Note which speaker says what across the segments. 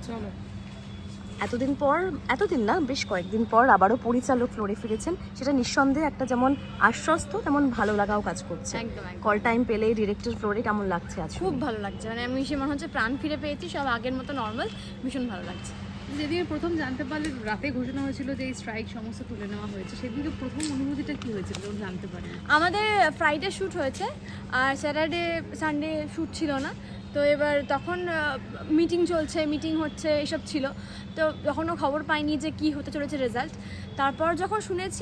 Speaker 1: চলো।
Speaker 2: এতদিন না, বেশ কয়েকদিন পর আবারও পরিচালক ফ্লোরে ফিরেছেন, সেটা নিঃসন্দেহে একটা যেমন আশ্বস্ত তেমন ভালো লাগাও কাজ করছে।
Speaker 3: একদম
Speaker 2: কল টাইম পেলে ডিরেক্টর ফ্লোরে কেমন লাগছে আজ?
Speaker 3: খুব ভালো লাগছে, মানে আমি সে মনে হচ্ছে প্রাণ ফিরে পেয়েছি, সব আগের মতো নর্মাল, ভীষণ ভালো লাগছে।
Speaker 1: যেদিন প্রথম জানতে পারলে, রাতে ঘোষণা হয়েছিল যে এই স্ট্রাইক সমস্ত তুলে নেওয়া হয়েছে, সেদিনকে প্রথম অনুভূতিটা কি হয়েছিল যখন জানতে পারেন?
Speaker 3: আমাদের ফ্রাইডে শ্যুট হয়েছে আর স্যাটারডে সানডে শ্যুট ছিল না, তো এবার তখন মিটিং হচ্ছে এসব ছিল, তো তখনও খবর পাইনি যে কি হতে চলেছে রেজাল্ট। তারপর যখন শুনেছি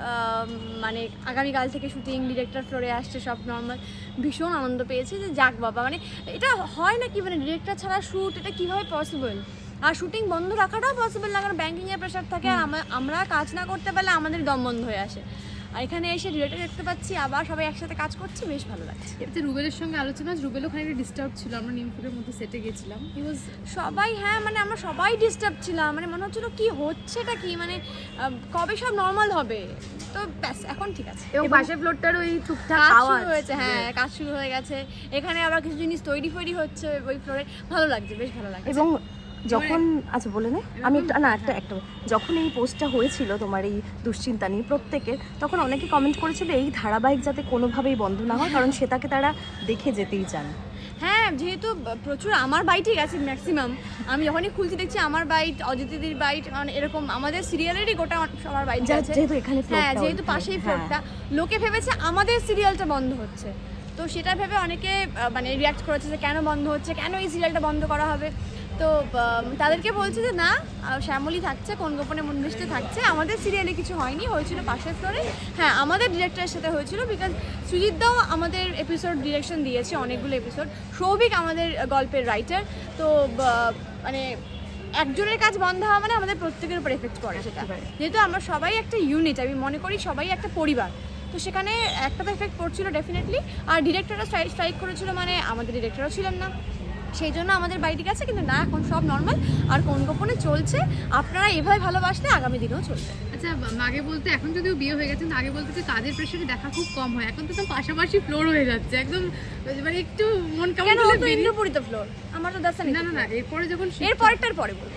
Speaker 3: মানে আগামীকাল থেকে শুটিং, ডিরেক্টর ফ্লোরে আসছে, সব নর্মাল, ভীষণ আনন্দ পেয়েছি যে যাক বাবা, মানে এটা হয় নাকি, মানে ডিরেক্টর ছাড়া শ্যুট, এটা কীভাবে পসিবল? আর শুটিং বন্ধ রাখাটাও পসিবল না, কারণ ব্যাঙ্কিংয়ের প্রেশার থাকে, আর আমরা কাজ না করতে পারলে আমাদের দম বন্ধ হয়ে আসে। আর এখানে এসে ডিরেক্টর দেখতে পাচ্ছি, আবার সবাই একসাথে কাজ করছি, বেশ ভালো লাগছে।
Speaker 1: এতে রুবেলের সঙ্গে আলোচনা, রুবেলও খানিকটা ডিস্টার্ব ছিল, আমরা নিমপুরের মধ্যে সেটে গেছিলাম,
Speaker 3: সবাই, হ্যাঁ মানে আমরা সবাই ডিস্টার্ব ছিলাম, মানে মনে হচ্ছিল কি হচ্ছেটা কি, মানে কবে সব নর্মাল হবে, তো ব্যাস এখন ঠিক আছে।
Speaker 2: এবং পাশের ফ্লোরটার ওই টুকটাক
Speaker 3: কাজ
Speaker 2: আওয়াজ
Speaker 3: শুরু হয়েছে, হ্যাঁ কাজ শুরু হয়ে গেছে, এখানে আবার কিছু জিনিস তৈরি হচ্ছে ওই ফ্লোরে, ভালো লাগছে, বেশ ভালো লাগছে।
Speaker 2: এবং যখন আচ্ছা বলে নে, আমি একটা যখন এই পোস্টটা হয়েছিল তোমার এই দুশ্চিন্তা নিয়ে প্রত্যেকের, তখন অনেকে কমেন্ট করেছিল এই ধারাবাহিক যাতে কোনোভাবেই বন্ধ না হয়, কারণ সেটাকে তারা দেখে যেতেই চান।
Speaker 3: হ্যাঁ, যেহেতু প্রচুর আমার বাইটই গেছে ম্যাক্সিমাম, আমি যখনই খুলছি দেখছি আমার বাইট, অজিতিদির বাইট, মানে এরকম আমাদের সিরিয়ালেরই গোটা সবার বাইট যাচ্ছে,
Speaker 2: যেহেতু এখানে
Speaker 3: হ্যাঁ যেহেতু পাশেই ফ্লোরটা, লোকে ভেবেছে আমাদের সিরিয়ালটা বন্ধ হচ্ছে, তো সেটা ভেবে অনেকে মানে রিয়াক্ট করেছে যে কেন বন্ধ হচ্ছে, কেন এই সিরিয়ালটা বন্ধ করা হবে। তো তাদেরকে বলছে যে না, শ্যামলী থাকছে, কোন গোপনে মন মিশতে থাকছে, আমাদের সিরিয়ালে কিছু হয়নি, হয়েছিল পাশের ফ্লোরে, হ্যাঁ আমাদের ডিরেক্টরের সাথে হয়েছিল, বিকজ সুজিতদাও আমাদের এপিসোড ডিরেকশন দিয়েছে অনেকগুলো এপিসোড, সৌভিক আমাদের গল্পের রাইটার, তো মানে একজনের কাজ বন্ধ হওয়া মানে আমাদের প্রত্যেকের উপর এফেক্ট করে সেটা, যেহেতু আমরা সবাই একটা ইউনিট, আমি মনে করি সবাই একটা পরিবার, তো সেখানে একটা তো এফেক্ট পড়ছিল ডেফিনেটলি। আর ডিরেক্টররা স্ট্রাইক করেছিল, মানে আমাদের ডিরেক্টরও ছিলেন না, সেই জন্য আমাদের বাইরে গেছে, কিন্তু না এখন সব নর্মাল, আর কোন গোপনে চলছে, আপনারা এভাবে ভালোবাসলে আগামী দিনেও চলবে।
Speaker 1: আচ্ছা, আগে বলতে, এখন যদিও বিয়ে হয়ে গেছে, আগে বলতে যে কাজের প্রেশারে দেখা খুব কম হয়, এখন তো পাশাপাশি ফ্লোর হয়ে যাচ্ছে একদম, মানে একটু মন কেমন
Speaker 3: হলো, ইন্দ্রপুরিত ফ্লোর, আমার তো দেখা নেই।
Speaker 1: না এরপরে যখন
Speaker 3: এর পরেরটার পরে বলবো।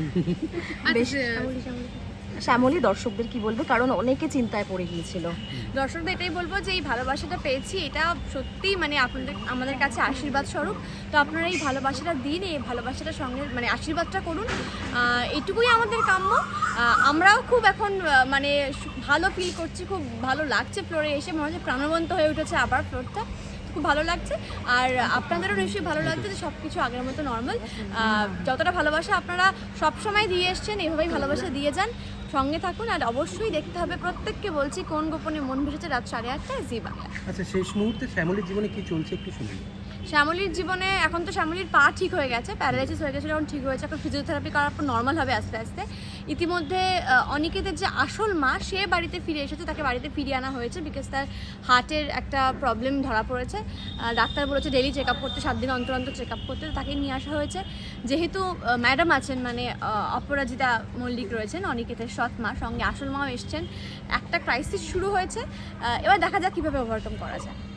Speaker 2: শ্যামলী দর্শকদের কি বলবে, কারণ অনেকে চিন্তায় পড়ে গিয়েছিল।
Speaker 3: দর্শকদের এটাই বলবো যে এই ভালোবাসাটা পেয়েছি, এটা সত্যিই মানে আমাদের কাছে আশীর্বাদ স্বরূপ, তো আপনারা এই ভালোবাসাটা দিন, এই ভালোবাসাটার সঙ্গে মানে আশীর্বাদটা করুন, এইটুকুই আমাদের কাম্য। আমরাও খুব এখন মানে ভালো ফিল করছি, খুব ভালো লাগছে ফ্লোরে এসে, মনে হচ্ছে প্রাণবন্ত হয়ে উঠেছে আবার ফ্লোরটা, খুব ভালো লাগছে। আর আপনাদেরও নিশ্চয়ই ভালো লাগছে যে সব কিছু আগের মতো নর্মাল, যতটা ভালোবাসা আপনারা সবসময় দিয়ে এসছেন, এভাবেই ভালোবাসা দিয়ে যান, সঙ্গে থাকুন। আর অবশ্যই দেখতে হবে, প্রত্যেককে বলছি, কোন গোপনে মন ভেসেছে, রাত 8:30 জি বাংলা।
Speaker 4: আচ্ছা, শেষ মুহূর্তে শ্যামলীর জীবনে কি চলছে একটু শুনুন।
Speaker 3: শ্যামলীর জীবনে এখন তো শ্যামলীর পা ঠিক হয়ে গেছে, প্যারালাইসিস হয়ে গেছিলো, এখন ঠিক হয়েছে, এখন ফিজিওথেরাপি করার পর নর্মাল হবে আস্তে আস্তে। ইতিমধ্যে অনিকেতের যে আসল মা, সে বাড়িতে ফিরে এসেছে, তাকে বাড়িতে ফিরিয়ে আনা হয়েছে, বিকজ তার হার্টের একটা প্রবলেম ধরা পড়েছে, ডাক্তার বলেছে ডেলি চেক আপ করতে, 7 দিন অন্তর অন্তর চেক আপ করতে, তাকে নিয়ে আসা হয়েছে। যেহেতু ম্যাডাম আছেন, মানে অপরাজিতা মল্লিক রয়েছেন অনিকেতের সৎ মা, সঙ্গে আসল মাও এসছেন, একটা ক্রাইসিস শুরু হয়েছে, এবার দেখা যাক কীভাবে ওভারকাম করা যায়।